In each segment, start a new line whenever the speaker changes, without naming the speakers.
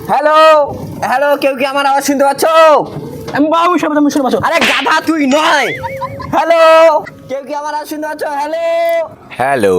Hello hello, কেউ কি আমার আওয়াজ শুনতে পাচ্ছ?
আমি বাবু সব তুমি শুনে পাচ্ছ?
আরে গাধা তুই নয়। হ্যালো, কেউ কি আমার আওয়াজ শুনতে পাচ্ছ? Hello
hello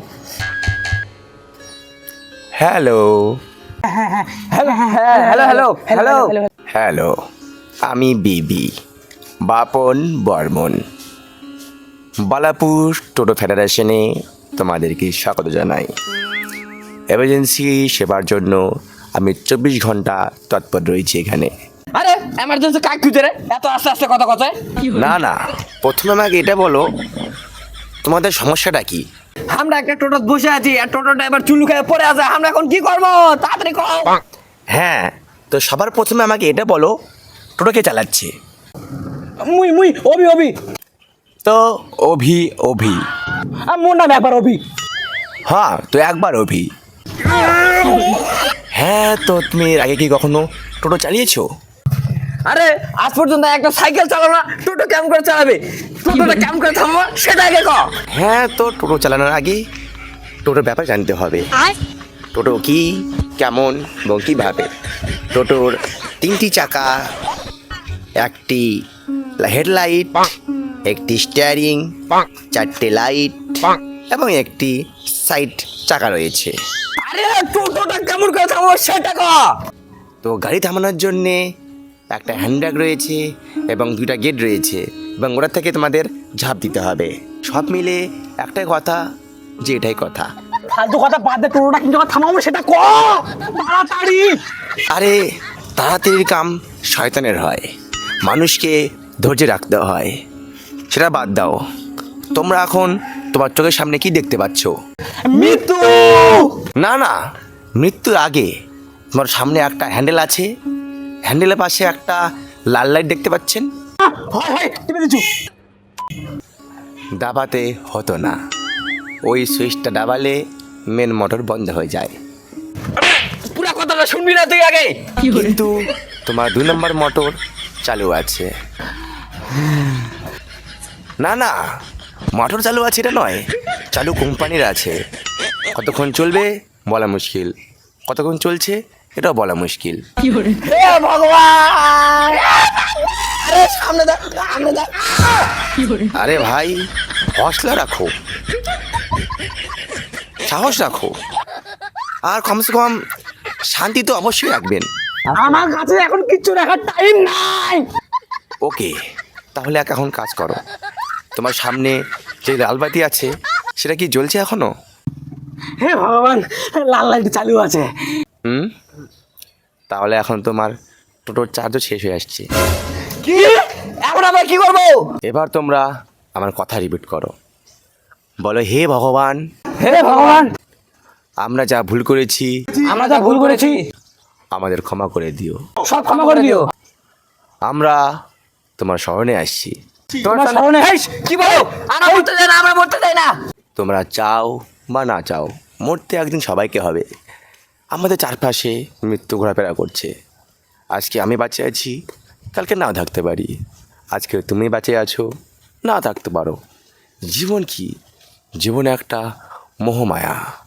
hello
hello hello hello hello
hello, আমি বিবি বাপন বর্মন, বালাপুর টোটো ফেডারেশনে তোমাদেরকে স্বাগত জানাই। এমার্জেন্সি সেবার জন্য আমি 24 ঘন্টা তৎপর রয়েছি এখানে।
আরে এমার্জেন্সি কাক খুঁজে রে, এত আস্তে আস্তে কথা কথা।
না না, প্রথমে আমাকে এটা বলো, তোমাদের সমস্যাটা কি?
আমরা একটা টোটো বসে আছি আর টোটো ড্রাইভার চুলু খেয়ে পড়ে আছে, আমরা এখন কি করবো তাড়াতাড়ি কর।
হ্যাঁ, তো সবার প্রথমে আমাকে এটা বলো, টোটো কে চালাচ্ছে?
মুই মুই অভি অভি
তো অভি অভি,
মোর নাম একবার অভি।
হ্যাঁ তো একবার অভি। হ্যাঁ, তো তুমি এর আগে কি কখনো টোটো চালিয়েছো?
আরে আজ পর্যন্ত একটা সাইকেল চালানো না, টোটো কেমন করে চালাবে? টোটোটা কেমন করে থামবো সেটা আগে কর।
হ্যাঁ, তো টোটো চালানোর আগে টোটোর ব্যাপার জানতে হবে। টোটো কি, কেমন এবং কীভাবে। টোটোর 3টি চাকা, একটি হেডলাইট, একটি স্টিয়ারিং, 4টে লাইট এবং একটি সাইড চাকা রয়েছে।
আরে টোটোটা কেমন করে থামবো সেটা কর।
তো গাড়ি থামানোর জন্যে একটা হ্যান্ডব্যাগ রয়েছে এবং 2টা গেট রয়েছে এবং ওটার থেকে তোমাদের ঝাঁপ দিতে হবে। সব মিলে একটাই কথা, যে এটাই কথা।
ফালতু কথা বাদ দে, টোটোটা কিন্তু থামাবো সেটা কর তাড়াতাড়ি।
আরে তাড়াতাড়ির কাম শয়তানের হয়, মানুষকে ধৈর্য রাখতে হয়। সেটা বাদ দাও, তোমরা এখন তোমার চোখের সামনে কি দেখতে পাচ্ছ?
মৃত্যু।
না না, মৃত্যুর আগে তোমার সামনে একটা হ্যান্ডেল আছে, হ্যান্ডেলের পাশে একটা লাল লাইট দেখতে পাচ্ছেন।
হয় হয় টিপে দিচ্ছু।
দাবাতে হতো না, ওই সুইচটা দাবালে মেন মোটর বন্ধ হয়ে যায়।
পুরা কথাটা শুনবি না তুই আগে?
কিন্তু তোমার 2 নম্বর মোটর চালু আছে। না না, মোটর চালু আছে এটা নয়, চালু কোম্পানির আছে। কতক্ষণ চলবে বলা মুশকিল, কতক্ষণ চলছে এটাও বলা মুশকিল।
হে ভগবান, আরে সামনে দেখ সামনে দেখ।
আরে ভাই, হৌসলা রাখো, সাহস রাখো, আর কমসে কম শান্তি তো অবশ্যই রাখবেন।
আমার কাছে এখন কিচ্ছু রাখার টাইম নাই।
ওকে, তাহলে এখন কাজ করো। তোমার সামনে যে লালবাতি আছে সেটা কি জ্বলছে এখনো?
হে ভগবান, লাল লাইট চালু আছে।
হুম, তাহলে এখন তোমার টোটোর চার্জও শেষ হয়ে আসছে।
কি এখন আমরা কি করবো?
এবার তোমরা আমার কথা রিপিট করো, বলো হে ভগবান,
হে ভগবান,
আমরা যা ভুল করেছি
আমরা যা ভুল করেছি
আমাদের ক্ষমা করে দিও।
সব ক্ষমা করে দিও।
আমরা তোমার শরণে আসছি।
তোমার সামনে কি বলো? আমরা মরতে চাই না, আমরা মরতে চাই না।
তোমরা চাও বা না চাও, মরতে একদিন সবাইকে হবে। আমাদের চারপাশে মৃত্যু ঘোরাফেরা করছে। আজকে আমি বাঁচে আছি, কালকে নাও থাকতে পারি। আজকে তুমি বাঁচে আছো, না থাকতে পারো। জীবন কি? জীবন একটা মোহমায়া।